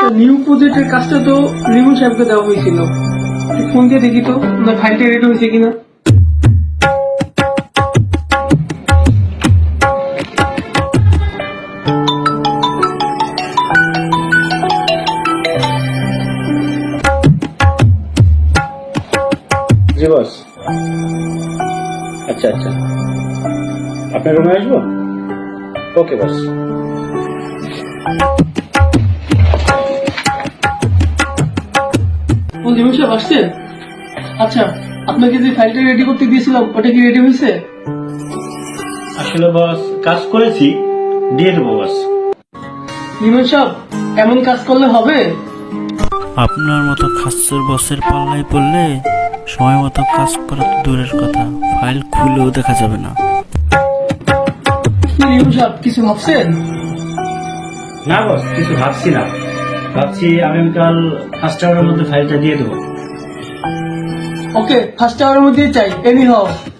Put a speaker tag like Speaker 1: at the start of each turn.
Speaker 1: New প্রজেক্টের কাজটা তো রিমন সাহেবকে দেওয়া হয়েছিল। ফোন দিয়ে দেখি তো না ফাইলটা রেডি হয়েছে কিনা।
Speaker 2: জি বস। আচ্ছা আচ্ছা, আপনার রুমে আসবো? ওকে বস।
Speaker 1: রিমন সাহেব আসছে? আচ্ছা, আপনাকে যে ফাইলটা রেডি করতে দিয়েছিলাম ওটা কি রেডি হয়েছে?
Speaker 2: আসলে বস কাজ করেছি, দিয়ে দেবো বস।
Speaker 1: রিমন সাহেব, এমন কাজ করলে হবে?
Speaker 3: আপনার মতো খাসের বসের পাল্লায় পড়লে সময় মতো কাজ করা তো দূরের কথা, ফাইল খুলেও দেখা যাবে না।
Speaker 1: কি রিমন সাহেব, কিছু ভাবছেন?
Speaker 2: না বস, কিছু ভাবছি না। ভাবছি আগামীকাল 5টা আওয়ারের মধ্যে ফাইলটা দিয়ে দেবো।
Speaker 1: ওকে, ফার্স্ট আওয়ারের মধ্যেই চাই, এনি হাও।